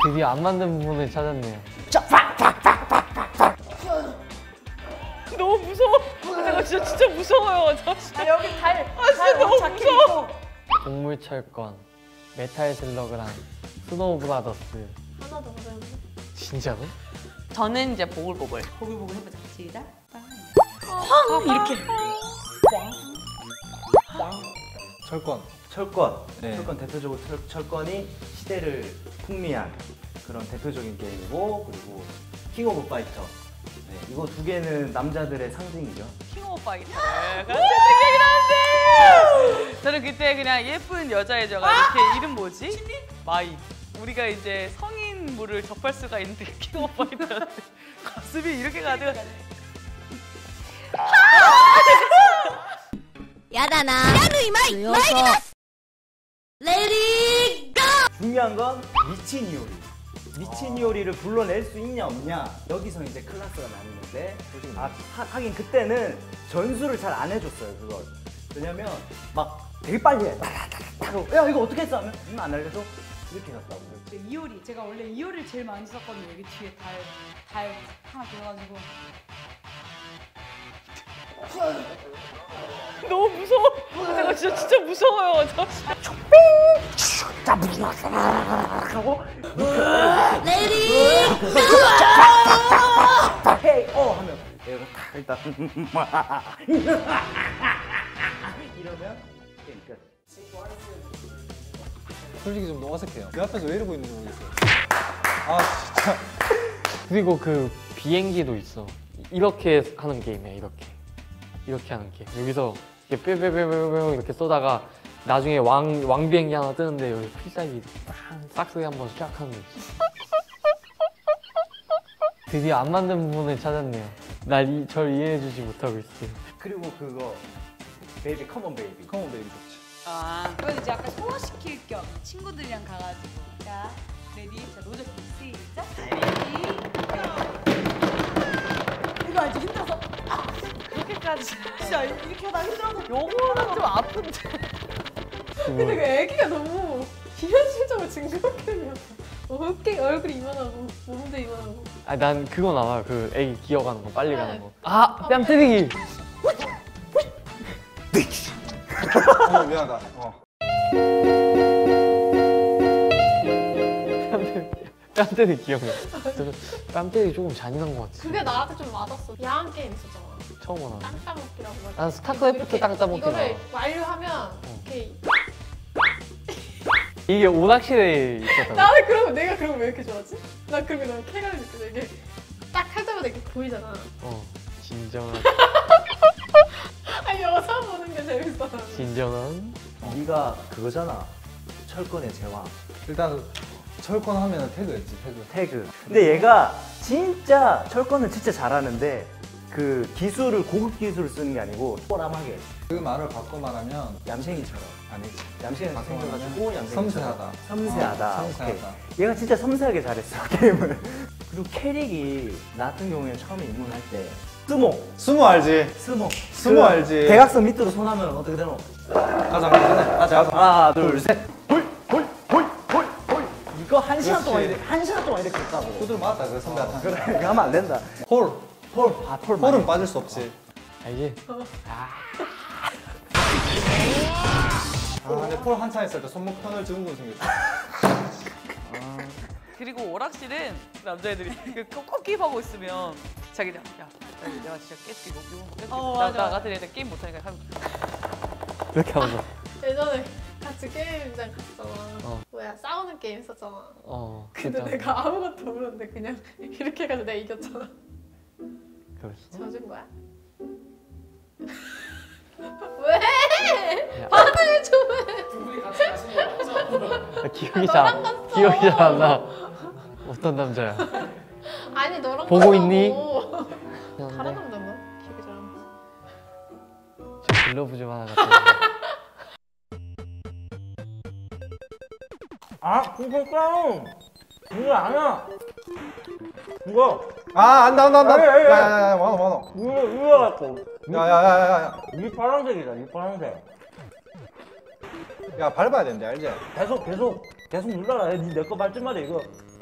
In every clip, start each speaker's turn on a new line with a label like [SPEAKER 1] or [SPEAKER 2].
[SPEAKER 1] 드디어 안 만든 부분을 찾았네요.
[SPEAKER 2] 너무 무서워. 내가 진짜 무서워요.
[SPEAKER 3] 여기 달
[SPEAKER 2] 진짜 너무 무서워.
[SPEAKER 1] 동물 철권, 메탈 슬러그랑 스노우 브라더스.
[SPEAKER 3] 하나 더 하자면
[SPEAKER 1] 진짜로?
[SPEAKER 2] 저는 이제 보글보글.
[SPEAKER 3] 보글보글 해보자. 시작.
[SPEAKER 2] 황 이렇게.
[SPEAKER 4] 철권.
[SPEAKER 5] 네.
[SPEAKER 4] 철권 대표적으로 철권이 시대를 풍미한 그런 대표적인 게임이고, 그리고 킹 오브 파이터. 네, 이거 두 개는 남자들의 상징이죠.
[SPEAKER 2] 킹 오브 파이터를 같이 생각이 나는데. 저는 그때 그냥 예쁜 여자애저가 이렇게 이름 뭐지? 마이. 우리가 이제 성인물을 접할 수가 있는 킹 오브 파이터한테 가슴이 이렇게 가득.
[SPEAKER 6] 야다나 야누이 마이 마이리마스 레디 고!
[SPEAKER 4] 중요한 건 미친 이오리. 미친 이오리를 불러낼 수 있냐 없냐, 여기서 이제 클래스가 나뉘는데, 하긴 그때는 전수를 잘 안 해줬어요 그걸. 왜냐면 막 되게 빨리 해. 야 이거 어떻게 했어 하면 안 알려줘? 이렇게 갔다고.
[SPEAKER 3] 이효리. 제가 원래 이효리를 제일 많이 썼거든요. 여기 뒤에 달 하나 들어가지고.
[SPEAKER 2] 너무 무서워. 내가 진짜 무서워요.
[SPEAKER 6] 레디
[SPEAKER 4] 헤이 하면 얘가 딱 일단 이러면 게임 끝.
[SPEAKER 5] 솔직히 좀 어색해요. 내 앞에서 왜 이러고 있는지 모르겠어요. 아 진짜.
[SPEAKER 1] 그리고 그 비행기도 있어. 이렇게 하는 게임이야. 이렇게 하는 게임. 여기서 이렇게 뿅뿅뿅뿅 이렇게 쏘다가 나중에 왕 비행기 하나 뜨는데 여기 필살기 싹쓸이 한번 쫙 하는 거 있어. 드디어 안 만든 부분을 찾았네요. 절 이해해주지 못하고 있어요.
[SPEAKER 4] 그리고 그거 베이비 컴온 베이비.
[SPEAKER 5] 컴온 베이비 좋지.
[SPEAKER 2] 아,
[SPEAKER 3] 그건 이제 약간 소화시킬 겸 친구들이랑 가가지고. 자, 레디. 자, 노젓기 시작. 레디. 이거 알지? 힘들어서.
[SPEAKER 2] 그렇게까지.
[SPEAKER 3] 진짜 이렇게 하다 힘들어서.
[SPEAKER 2] 요거는 좀 아픈데.
[SPEAKER 3] 근데 그 애기가 너무 비현실적으로 징그럽게 생겼어. 어깨 얼굴이 이만하고 몸도 이만하고.
[SPEAKER 1] 아, 난 그건 알아요. 그 애기 기어가는 거, 빨리 가는 거. 아, 뺨 때리기.
[SPEAKER 5] 미안하다.
[SPEAKER 1] 뺨 때리기 기억나. 뺨 때리기 조금 잔인한 것 같아.
[SPEAKER 7] 그게 나한테 좀 맞았어. 야한 게임 있었잖아.
[SPEAKER 1] 처음 알아.
[SPEAKER 7] 땅 따먹기라고 말.
[SPEAKER 1] 난 스타크래프트 땅 따먹기
[SPEAKER 7] 이거를
[SPEAKER 1] 알아.
[SPEAKER 7] 완료하면 이렇게
[SPEAKER 1] 이게 오락실에 있었던 거.
[SPEAKER 7] 나는 그러면 내가 그러면 왜 이렇게 좋아하지? 나 그런 게 너무 쾌감이 느껴져. 이게 딱 할 때마다 이렇게 보이잖아.
[SPEAKER 1] 진정한.
[SPEAKER 7] 아니 영상 보는 게 재밌어.
[SPEAKER 1] 진정한.
[SPEAKER 4] 네가 그거잖아. 철권의 제왕.
[SPEAKER 5] 일단 철권 하면 태그였지 태그.
[SPEAKER 4] 근데 얘가 진짜 철권은 진짜 잘하는데 그 기술을 고급 기술을 쓰는 게 아니고 뽀람하게
[SPEAKER 5] 그 말을 바꿔 말하면
[SPEAKER 4] 얌생이처럼.
[SPEAKER 5] 아니지.
[SPEAKER 4] 얌생이
[SPEAKER 5] 바꿔
[SPEAKER 4] 생겨가지고
[SPEAKER 5] 말하면 섬세하다.
[SPEAKER 4] 섬세하다.
[SPEAKER 5] 섬세하다.
[SPEAKER 4] 오케이. 얘가 진짜 섬세하게 잘했어 게임을. 그리고 캐릭이 나 같은 경우에 처음에 입문할 때
[SPEAKER 5] 스모 알지?
[SPEAKER 4] 스모
[SPEAKER 5] 알지?
[SPEAKER 4] 대각선 밑으로 손하면 어떻게 되노?
[SPEAKER 5] 가자 가자.
[SPEAKER 4] 하나 둘셋 홀 이거 한 시간 동안
[SPEAKER 5] 그렇지.
[SPEAKER 4] 한 시간 동안 이렇게 했다고.
[SPEAKER 5] 후들 맞다 그 선배한테.
[SPEAKER 4] 그래 이거 하면 안 된다.
[SPEAKER 5] 홀.
[SPEAKER 4] 홀은
[SPEAKER 5] 빠질 수 없지.
[SPEAKER 1] 알지?
[SPEAKER 5] 근데 폴 한참 했을 때 손목 편을 증후군 생겼어.
[SPEAKER 2] 그리고 오락실은 남자애들이 그 꺾기하고 있으면 자기들 야 내가 진짜 깨뜨리고
[SPEAKER 3] 맞아.
[SPEAKER 2] 나 같은 애들 게임 못하니까 하면
[SPEAKER 1] 이렇게 하는 거.
[SPEAKER 7] 예전에 같이 게임장 갔잖아. 뭐야 싸우는 게임 했었잖아. 근데
[SPEAKER 1] 진짜.
[SPEAKER 7] 내가 아무것도 모르는데 그냥 이렇게 해가지고 내가 이겼잖아.
[SPEAKER 1] 그랬어?
[SPEAKER 7] 져준 거야? 왜?
[SPEAKER 1] 야.
[SPEAKER 7] 반응을 좀 해.
[SPEAKER 3] 둘이 같이 가시는 거 맞죠?
[SPEAKER 1] 기억이 잘 안 나. 어떤 남자야?
[SPEAKER 7] 아니 너랑
[SPEAKER 1] 보고
[SPEAKER 7] 가자고.
[SPEAKER 1] 있니?
[SPEAKER 7] 다른 남자인가? 기억이 잘 안 나.
[SPEAKER 1] 저 글러브 좀 하나 갖다 줘.
[SPEAKER 4] 아 쿵쿵깡 이거 아니야. 이거
[SPEAKER 5] 아 안다.
[SPEAKER 4] 에이, 에이, 에이.
[SPEAKER 5] 야야야 많아.
[SPEAKER 4] 이거 갖고
[SPEAKER 5] 야야야야.
[SPEAKER 4] 이 파란색이다. 이 파란색.
[SPEAKER 5] 야 밟아야 된대 알지?
[SPEAKER 4] 계속 눌러라. 니 내 거 밟지 마라 이거.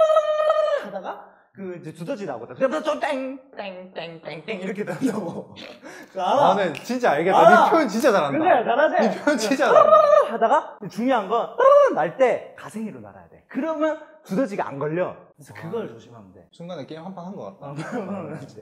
[SPEAKER 4] 하다가 그 이제 두더지 나오거든. 그러면 좀 땡땡땡땡땡 이렇게 된다고. 알아?
[SPEAKER 5] 나는 진짜 알겠다.
[SPEAKER 4] 알아.
[SPEAKER 5] 네 표현 진짜 잘한다.
[SPEAKER 4] 그래 잘하지.
[SPEAKER 5] 네 표현 진짜 잘한다.
[SPEAKER 4] 하다가 중요한 건 날 때 가생이로 날아야 돼. 그러면 두더지가 안 걸려. 그래서 그걸 조심하면 돼.
[SPEAKER 5] 순간에 게임 한 판 한 것 같다.
[SPEAKER 4] 그러면 이제